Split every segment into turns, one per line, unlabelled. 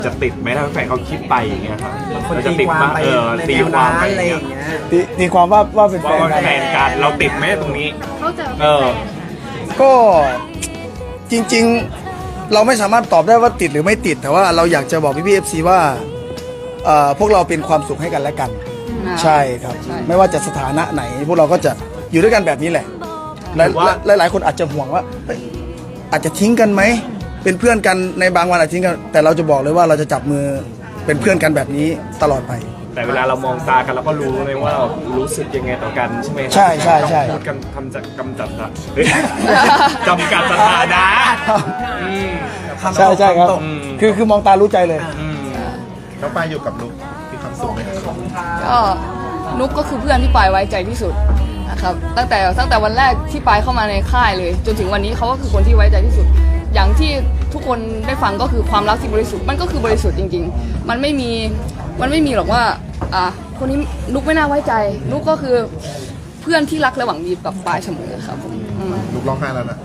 จะติดไหมถ้าแฟนเขาคิดไปอย่างเงี้ยครับเราจะ
ตี
ติด
ความ
มา
ไปใน
ตี
แนว
ความ
นั้น
ไป
อะไร
อ
อย่
า
ย่าง ง
เงี้ย
เงี้ย
ตีความว่าเป็นแฟ
ว่าน
กัน
แฟนกันเราติดไหมตรงนี้
เขาจะ
เออ
ก็จริงๆเราไม่สามารถตอบได้ว่าติดหรือไม่ติด แต่ว่าเราอยากจะบอกพี่ๆ FC ว่าพวกเราเป็นความสุขให้กันและกัน ใช่ครับ ไม่ว่าจะสถานะไหน พวกเราก็จะอยู่ด้วยกันแบบนี้แหละหลายคนอาจจะห่วงว่าเฮ้ยอาจจะทิ้งกันไหมเป็นเพื่อนกันในบางวันอาจจะทิ้งกันแต่เราจะบอกเลยว่าเราจะจับมือเป็นเพื่อนกันแบบนี้ตลอดไป
แต่เวลาเรามองตากันเราก็รู้เลยว่าเรารู้สึกยังไงต่อกันใช่ไหมครับ
ใช่ใช่ใช่
พูดกันกำจัดเฮ้ยจำกัดสถานะอืม
ใช่ใช่ครับ
อืม
คือมองตารู้ใจเลย
อืม
แล้วปายอยู่กับลูกมีความสุขไหมครับ
ก็นุกก็คือเพื่อนที่ปายไว้ใจที่สุดนะครับตั้งแต่วันแรกที่ปายเข้ามาในค่ายเลย จนถึงวันนี้เขาก็คือคนที่ไว้ใจที่สุด อย่างที่ทุกคนได้ฟังก็คือความรักที่บริสุทธิ์มันก็คือบริสุทธิ์จริงๆมันไม่มีหรอกว่าคนนี้นุกไม่น่าไว้ใจ นุกก็คือเพื่อนที่รักและหวังดีกับปายเสมอครับผมอืม
ลูกร้องไห้แล้วนะ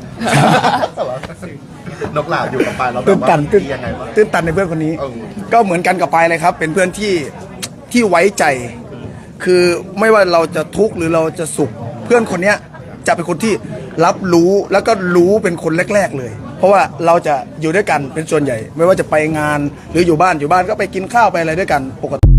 นกหลาบอยู่กับปายแล้วแบ
ตื้
บ
น
ว่า
ตัน
ดียังไงบ้าง
ตื้นตันในเพื่อนคนนี้
เออ
ก็เหมือนกันกับปายเลยครับ เป็นเพื่อนที่ไว้ใจ คือไม่ว่าเราจะทุกข์หรือเราจะสุข เพื่อนคนเนี้ยจะเป็นคนที่รับรู้แล้วก็รู้เป็นคนแรก ๆเลย เพราะว่าเราจะอยู่ด้วยกันเป็นส่วนใหญ่ ไม่ว่าจะไปงานหรืออยู่บ้านก็ไปกินข้าวไปอะไรด้วยกันปกติ